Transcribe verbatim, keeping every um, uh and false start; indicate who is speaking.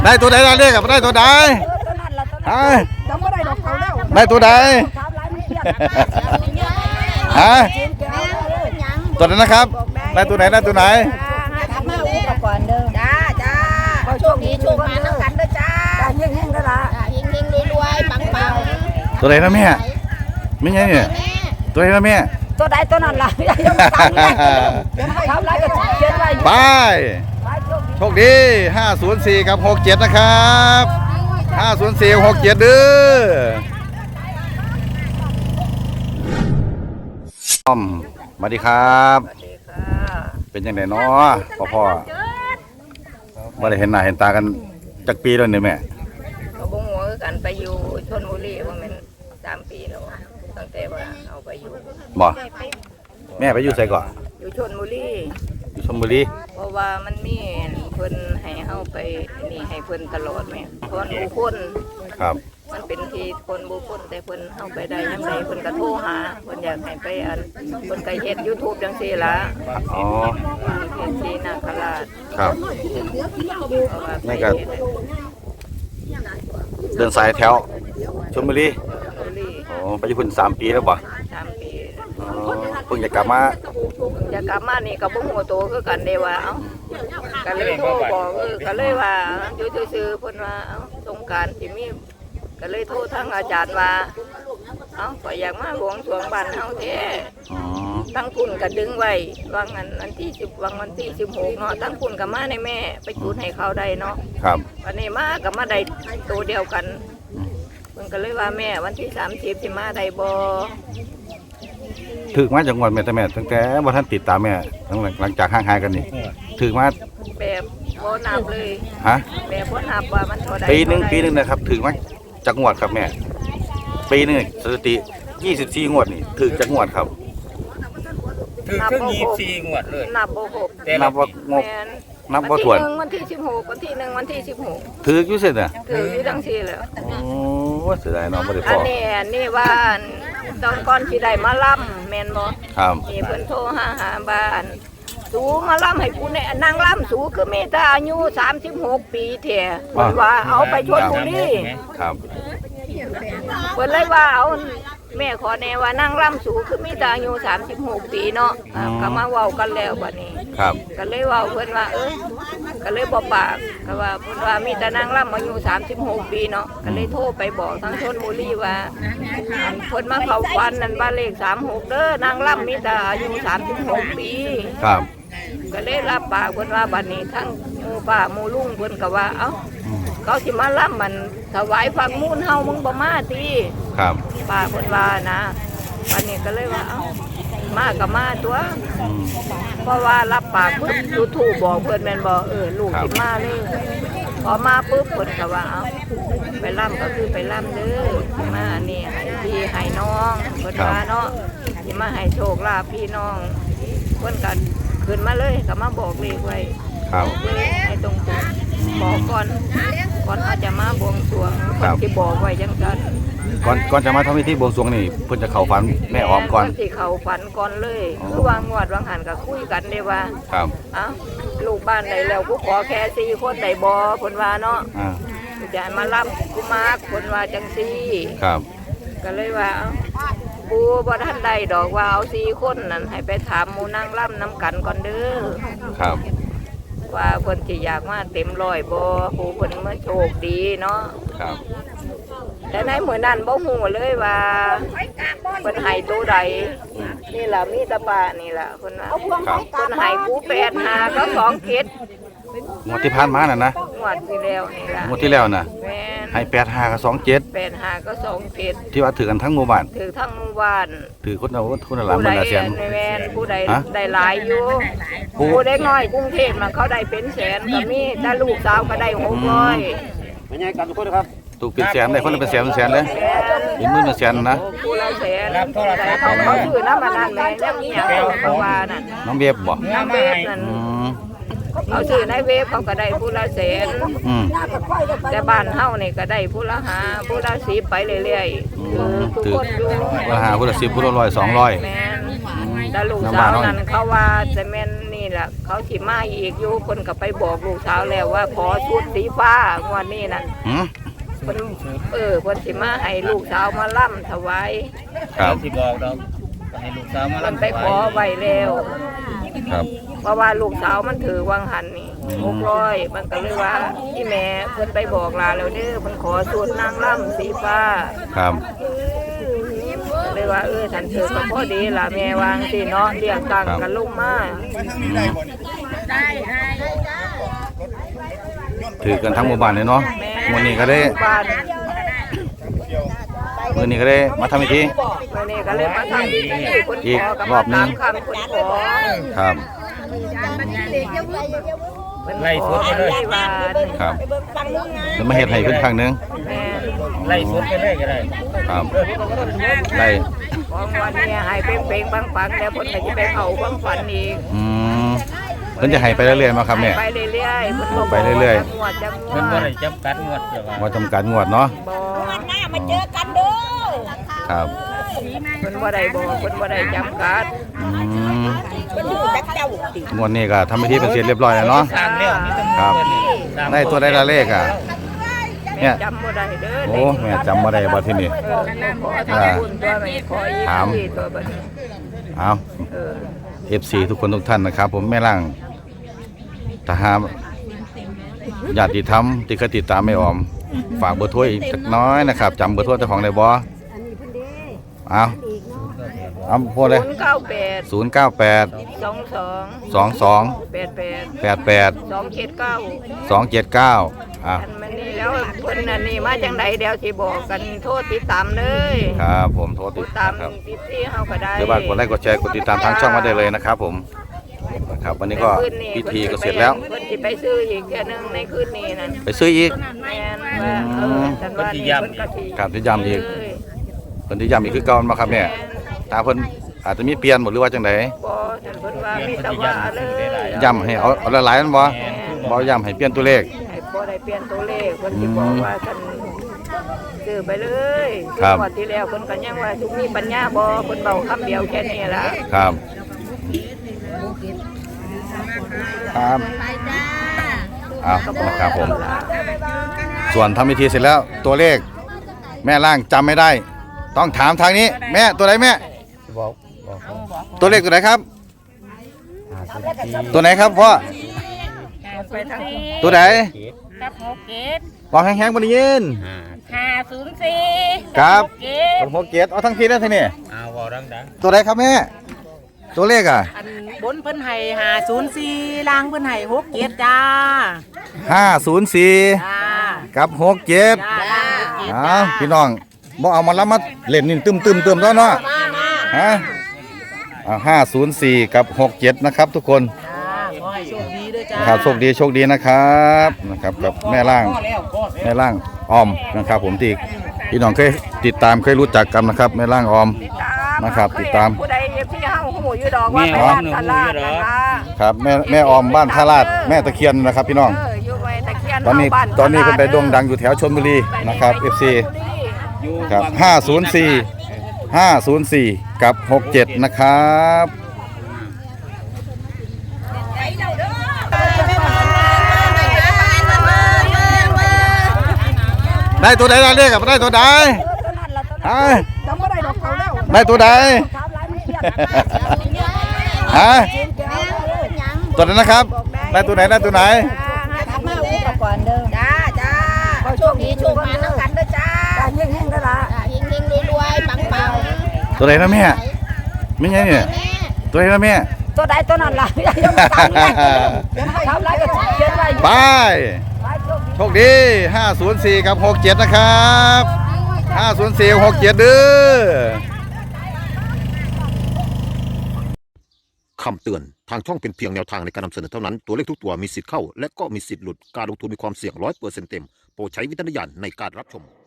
Speaker 1: ได้ตัวใดได้เลขกับได้ตัวใดฮะได้ตัวใดฮะตัวนั้นนะครับได้ตัวไหนได้ตัวไหน
Speaker 2: ก่อนเด้อจ้าจ้าโชคดีโชคมาทั้งกันเด้อจ้าเฮงเฮงๆละเฮงเฮงรวยๆปังปัง
Speaker 1: ตัวไหนนะแม่ไม่ใช่เนี่ยตัวไหนนะแม่
Speaker 2: ตัวใดตัวนั้นล่ะทำไรก็เขียนไว้
Speaker 1: ไปโชคดีห้าศูนย์สี่กับหกเจ็ดนะครับห้าศูนย์สี่หกเจ็ดเด้ออ้อมสวัสดีครับเป็นยังไงเนาะพ่อพ่อว่าได้เห็นหน้าเห็นตากันจักปีแล้วเนี่ยแม่
Speaker 2: เขาบ่หัวกันไปอยู่ชลบุรีว่ามันสามปีแล้วตั้งแต่ว่าเอาไปอยู่
Speaker 1: บ่แม่ไปอยู่ไสก่อน
Speaker 2: อยู่ชลบุรี
Speaker 1: อยู่ชลบุรี
Speaker 2: เพราะว่ามันมีเพิ่นให้เฮาไปนี่ให้เพิ่นตลอดแม่คนบุคคล
Speaker 1: ครับ
Speaker 2: มันเป็นที่คนบุคคลแต่เพิ่นเฮาไปได้ยังไงเพิ่นก็โทรหาเพิ่นอยากให้ไปอันเพิ่นก็เฮ็ด YouTube จังซี่ล่ะ
Speaker 1: อ๋อ
Speaker 2: เฮ็ดที่นาคราช
Speaker 1: ครับนี่ก็เดินสายแถวชลบุรีอ๋อไปอยู่พุ่นสามปีแล้วบ่
Speaker 2: สามปี
Speaker 1: อ๋อเพิ่งจะกลับมา
Speaker 2: จะกลับมานี่ก็บ่ฮู้โตคือกันเด้ว่าเอ้าก็เลยโทรบอกเออก็เลยว่าอยู่ซื่อๆเพิ่นว่าเอ้าสงกรานต์สิมีก็เลยโทรทางอาจารย์ว่าเอ้าก็อยากมาบวงสรวงบ้านเฮาแท้ตั้งคุณก็ดึงไว้วางอันวันที่สิบวางวันที่สิบหกเนาะตั้งคุณก็มาในแม่ไปจุดให้เขาได้เนาะ
Speaker 1: ครับ
Speaker 2: วันนี้มาก็มาได้ตัวเดียวกันเพิ่นก็เลยว่าแม่วันที่สามสิบสิมาได้บ่
Speaker 1: ถึกมาจังหวัดแม่แต่แม่ตั้งแต่บ่ทันติดตามแม่หลังจากห่างหายกันนี่ถึกมา
Speaker 2: แบบบ่นับเลย
Speaker 1: ฮะ
Speaker 2: แบบบ่นับว่ามันเท่าใด
Speaker 1: ปีนึงปีนึงนะครับถึกมาจังหวัดครับแม่ปีนึงสถิติยี่สิบสี่งวดนี่ถึกจังหวัดครับ
Speaker 3: ถึกถึงยี่สิบสี่งวดเลย
Speaker 2: นับบ่ครบ
Speaker 1: นับบ่งบนับบ่ถ้วน
Speaker 2: วันที่สิบหกวันที่หนึ่งวันที่สิบหก
Speaker 1: ถึกอยู่เสร็จน่ะ
Speaker 2: ถึกอยู่จังซี่แล้ว
Speaker 1: โอ้เสียดายเนาะบ่ได้พอ
Speaker 2: อันนี้อันนี้ว่าตอนก่อนสิได้มาล่ำแม่นบ่
Speaker 1: ครับ
Speaker 2: นี่เพิ่นโทรหาหาบ้านสูมาล่ำให้กูเนี่ยนางล่ำสูคือมีแต่อายุสามสิบหกปีแท้เพิ่นว่าเอาไปชลบุรี
Speaker 1: ครับ
Speaker 2: เพิ่นเลยว่าเอาแม่ขอแน่ว่านางล่ำสูคือมีแต่อายุสามสิบหกปีเนาะก็มาเว้ากันแล้วบัดนี้
Speaker 1: ครับ
Speaker 2: ก็เลยเว้าเพิ่นว่าเอ้ยก็เลยบ่ปากก็ว่าเพิ่นว่ามีแต่นางล่ำอายุสามสิบหกปีเนาะก็เลยโทรไปบอกทางชลบุรีว่าเพิ่นมาเข้าฝันนั่นบ้านเลขสามหกเด้อนางล่ำมีแต่อายุสามสิบหกปี
Speaker 1: ครับ
Speaker 2: ก็เลยรับปากเพิ่นว่าบัดนี้ทั้งหมู่ป้าหมู่ลุงเพิ่นก็ว่าเอ้าเขาสิมาล่ำมันถวายฟังมูลเฮามึงบ่มาติ
Speaker 1: ครับ
Speaker 2: ป้าเพิ่นว่านะบัดนี้ก็เลยว่าเอ้ามาก็มาตัวเพราะว่ารับปากปุ๊บยูทูบบอกเพิ่นแม่นบ่เออลูกสิมาเลยพอมาปุ๊บเพิ่นก็ว่าเอ้าไปล่ำก็คือไปล่ำเด้อมาอันนี้ให้พี่ให้น้องเพิ่นว่าเนาะสิมาให้โชคลาภพี่น้องเพิ่นก็ขึ้นมาเลยก็มาบอกเลขไว้
Speaker 1: ครับ
Speaker 2: เลยให้ตรงๆบอกก่อนก่อนเขาจะมาบวงสรวงเพิ่นสิบอกไว้จังซั่น
Speaker 1: ก่อนก่อนจะมาทำพิธีบวงสรวงนี่เพิ่นจะเข้าฝันแม่ออมก่อน
Speaker 2: สิเข้าฝันก่อนเลยคือวางงวดวางหันก็คุยกันได้ว่า
Speaker 1: ครับ
Speaker 2: เอ้าลูกบ้านใดแล้วกูขอแค่สี่คนได้บ่เพิ่นว่าเนาะ
Speaker 1: อ่า
Speaker 2: จะมารับกูมาเพิ่นว่าจังซี่
Speaker 1: ครับ
Speaker 2: ก็เลยว่าปูบ่ทันได้ดอกว่าเอาสี่คนนั่นให้ไปถามหมู่นางล่ำน้ำกันก่อนเด้อ
Speaker 1: ครับ
Speaker 2: ว่าเพิ่นสิอยากมาเต็มร้อยบ่ปูเพิ่นมาโชคดีเนาะ
Speaker 1: ครับ
Speaker 2: แต่ในมื้อนั้นบ่ฮู้เลยว่าเพิ่นให้ตัวใดนี่ล่ะมีตะปานี่ล่ะเพิ่นว่าเพิ่นให้กูแปดห้าก็สองเจ็ด
Speaker 1: งวดที่ผ่านมาน่ะนะ
Speaker 2: งวดที่แล้วนี่ล่ะ
Speaker 1: งวดที่แล้วน่ะ
Speaker 2: แม่น
Speaker 1: ให้แปดห้ากับสองเจ็ด
Speaker 2: แปดห้าก็สองเจ็ด
Speaker 1: ที่ว่าถือกันทั้งหมู่บ้าน
Speaker 2: ถือทั้งหมู่บ้าน
Speaker 1: ถือคนเอาคนละหลายหมื่นละแสน
Speaker 2: แม่นผู้ใดได้หลายอยู่ผู้เด็กน้อยกรุงเทพน่ะเขาได้เป็นแสนก็มีแต่ลูกสาวก็ได้หกร้อย
Speaker 3: เป็นไงกันทุกคนครับ
Speaker 1: ถูกเป็นแสนได้คนละเป็นแสนเป็นแสนเลยเป็นหมื่นเป็นแสนนะ
Speaker 2: ผู้ละแสนแต่เขาเขาถือน้ำมันนั่นแม่ยังมีอย่างเขาว่านั่น
Speaker 1: น้องเวฟบ่
Speaker 2: น้องเวฟนั่นเขาซื้อในเวฟเขาก็ได้ผู้ละแสนแต่บ้านเฮานี่ก็ได้ผู้ละห้าผู้ละสิบไปเรื่อยๆคือทุกคนอยู่
Speaker 1: ผู้ละห้าผู้ละสิบผู้ละร้อยสองร้อย
Speaker 2: แม่นแต่ลูกสาวนั้นเขาว่าจะแม่นนี่แหละเขาสิมาอีกอยู่คนก็ไปบอกลูกสาวแล้วว่าขอชุดสีฟ้างวดนี้นั่น
Speaker 1: หืม
Speaker 2: เพิ่นเออเพิ่นสิมาให้ลูกสาวมาล่ำถวาย
Speaker 1: ครับ
Speaker 3: สิบอกดอกให้ลูกสาวมา
Speaker 2: มันไปขอไว้แล้ว
Speaker 1: ครับ
Speaker 2: เพราะว่าลูกสาวมันถือวังหันนี่หกร้อยมันก็เลยว่าที่แม่เพิ่นไปบอกลาแล้วเด้อเพิ่นขอชุดนางล่ำสีฟ้า
Speaker 1: ครับ
Speaker 2: เลยว่าเออฉันถือก็พอดีล่ะแม่วางสิเนาะเรียกตังกันลงมา
Speaker 1: ถือกันทั้งหมู่บ้านเลยเนาะวันนี้ก็ได้
Speaker 2: บ้าน
Speaker 1: วันนี้ก็ได้มาทำพิธี
Speaker 2: วันนี้ก็เลยมาทำพิธีคน
Speaker 1: อี
Speaker 2: ข
Speaker 1: ก
Speaker 2: อกับ
Speaker 1: รอบหนึ่
Speaker 2: ตาง มคำคนขอ
Speaker 1: ครับ
Speaker 3: ไล่สดไปเลย
Speaker 2: ที่บ้าน
Speaker 1: ครับจะมาเฮ็ดให้เพิ่นครั้งหนึง
Speaker 2: แม่
Speaker 3: ไล่สดไปเลยก็ได้
Speaker 1: ครับได้
Speaker 2: ของวันนี้ให้เป่งๆปังๆแล้วเพิ่นก็จะไปเผาความฝันอีก
Speaker 1: อืมเพิ่นจะให้ไปเรื่อยๆมาครับแม่
Speaker 2: ไปเรื่อยๆเพิ่นบอก
Speaker 1: ไปเรื่อยๆ
Speaker 2: จังหวัดจังห
Speaker 3: เพิ่นบ่
Speaker 2: วัด
Speaker 3: ได้จำกัดงวดเจ้าว่า
Speaker 1: ว่าจำกัดงวดเนาะ
Speaker 2: บ่
Speaker 1: ครับ
Speaker 2: เพิ่นบ่ได้บอกเพิ่นบ่ได้จำกัด
Speaker 1: อืมงวดนี้ก็ทำพิธีเป็นเสร็จเรียบร้อยแล้วเนาะ
Speaker 3: สร้างแล้วนี่ต้อง
Speaker 1: ครับ
Speaker 3: สร้าง
Speaker 1: ได้ตัวได้ละเลขอ่ะ เนี่
Speaker 2: แม่
Speaker 1: ย
Speaker 2: จำบ่ได้เด้อ
Speaker 1: โอ้แม่จำบ่ได้บ่ที่นี่
Speaker 2: เออขอทำบุญตัวแม่ขออีก
Speaker 1: ถาม
Speaker 2: ที่ตัวบัดนี้
Speaker 1: เอา
Speaker 2: เออ
Speaker 1: เอฟซีทุกคนทุกท่านนะครับ ผมแม่ล่างทหารญาติธรรมที่เคยติดตามไม่ออม ฝากเบอร์โทรอีกจักน้อยนะครับจำเบอร์โทรเจ้าของได้บ่เอาเอาพูดเลย
Speaker 2: ศูนย์เก้าแปด
Speaker 1: ศูนย์เก้าแปด
Speaker 2: สองสอง
Speaker 1: สองสอง
Speaker 2: แปดแปด
Speaker 1: แปดแปด
Speaker 2: สองเจ็ดเก้า
Speaker 1: สองเจ็ดเก้าอ่ะ
Speaker 2: อันมันนี่แล้วเพิ่นน่ะนี่มาจังไดเดี๋ยวสิบอกกันโทษติดตามเลย
Speaker 1: ครับผมโทรติ
Speaker 2: ติ
Speaker 1: ด
Speaker 2: ดตาม
Speaker 1: ครับ
Speaker 2: ติดที่เฮาก็ได้
Speaker 1: เดี๋ยวบ้านกดไลค์กดแชร์กดติดตามทางช่องมาได้เลยนะครับผมนะครับวันนี้ก็พิธีก็เสร็จแล้ว
Speaker 2: เพิ่นสิไปซื้ออีกเทื่อนึงในคืนนี้นั่น
Speaker 1: ไปซื้ออีก
Speaker 2: แม่นว่าเออฉันว่านี่เพิ่นก็สิ
Speaker 1: ครับที่ย้ำอีกเพิ่นที่ย้ำอีกคือเก่ามาครับเนี่ยถ้าเพิ่นอาจจะมีเปลี่ยนหมดหรือว่าจังได
Speaker 2: บ่ฉันเพิ่นว่ามีแต่ว่าเลย
Speaker 1: ย้ำให้เอาเอาหลายๆนั่นบ่บ่ย้ำให้เปลี่ยนตัวเลข
Speaker 2: ให้บ่ได้เปลี่ยนตัวเลขเพิ่นสิบอกว่าฉันซื้อไปเลย
Speaker 1: ครับ
Speaker 2: งวดที่แล้วเพิ่นก็ยังว่าทุกมีปัญญาบ่เพิ่นเว้าคำเดียวแค่นี้ล่ะ
Speaker 1: ครับครับเอานะครับผม ส่วนทำพิธีเสร็จแล้วตัวเลข แม่ล่างจำไม่ได้ ต้องถามทางนี้ แม่ตัวไหนแม่
Speaker 3: บอกบอก
Speaker 1: ตัวเลขตัวไหนครับ ตัวไหนครับพ่อ
Speaker 2: ไปทาง
Speaker 1: ตัวไหน
Speaker 4: กับหกเกต
Speaker 1: บอกแห้งๆบนยิน
Speaker 4: ห้าศูนย์สี่
Speaker 1: ครับ
Speaker 4: เก
Speaker 1: ตัวหกเกียรติเอาทั้งทีแล้วทีนี่
Speaker 3: อ้าวบอกดัง
Speaker 1: ตัวไหนครับแม่ ตัวเลขอ่ะ
Speaker 4: อันบนเพิ่นให้ห้าศูนย์สี่ล่างเพิ่นให้หกเกตจ้า
Speaker 1: ห้าศูนย์สี่
Speaker 4: จ้า
Speaker 1: กับหกเกียรติ
Speaker 4: จ้าล่างหกเกต
Speaker 1: อ้าวพี่น้องบ่เอามาแล้วมาเล่นนี่ตึมตึมตึมแล้วเนาะฮะอ่าห้าศูนย์สี่กับหกเจ็ดนะครับ ทุกคน
Speaker 4: จ้าขอให้โชคดีด้วยจ้า
Speaker 1: นะครับโชคดีโชคดีนะครับนะครับกับแม่ล่างแม่ล่างออมนะครับ ผมที่พี่น้องเคยติดตามเคยรู้จักกันนะครับแม่ล่างออม
Speaker 2: ติดตาม
Speaker 1: นะครับติดตาม
Speaker 2: ผู้ใดที่เฮาหูอยู่ดอกว่าไปบ้านตลาดนะคะ
Speaker 1: ครับแม่แม่ออมบ้านท่าลาดแม่ตะเคียนนะครับพี่น้อง
Speaker 2: เอออยู่ไว้ตะเคียน
Speaker 1: ตอนนี้
Speaker 2: เฮาบ้า
Speaker 1: ตอนนี้เพิ่นไปโด่งดังอยู่แถวชลบุรีนะครับ เอฟ ซี
Speaker 3: ๆอยู่
Speaker 1: ครับห้าศูนย์สี่ ห้าศูนย์สี่กับหกเจ็ดนะครับได้ตัวใดได้เลขกับได้ตัวใดฮะได้ตัวใดฮะตัวนั้นนะครับ ได้ตัวไหนได้ตัวไหน
Speaker 5: จ้าจ้าโชคดีโชคมาทั้งกันเด้อจ้าเฮงเฮงๆเด้อล่ะเฮงเฮงๆรวยๆปังปัง
Speaker 1: ตัวไหนนะแม่ไม่ใช่เนี่ยตัวไหนนะแม่
Speaker 2: ตัวใดตัวนั้นล่ะยังไม่ตามเลยทำไรก็เขียนไว้
Speaker 1: ไปโชคดีห้าศูนย์สี่กับหกเจ็ดนะครับห้าศูนย์สี่หกเจ็ดเด้อ
Speaker 6: คำเตือน ทางช่องเป็นเพียงแนวทางในการนำเสนอเท่านั้น ตัวเลขทุกตัวมีสิทธิ์เข้า และก็มีสิทธิ์หลุด การลงทุนมีความเสี่ยงร้อยเปอร์เซ็นต์เต็ม โปรดใช้วิจารณญาณในการรับชม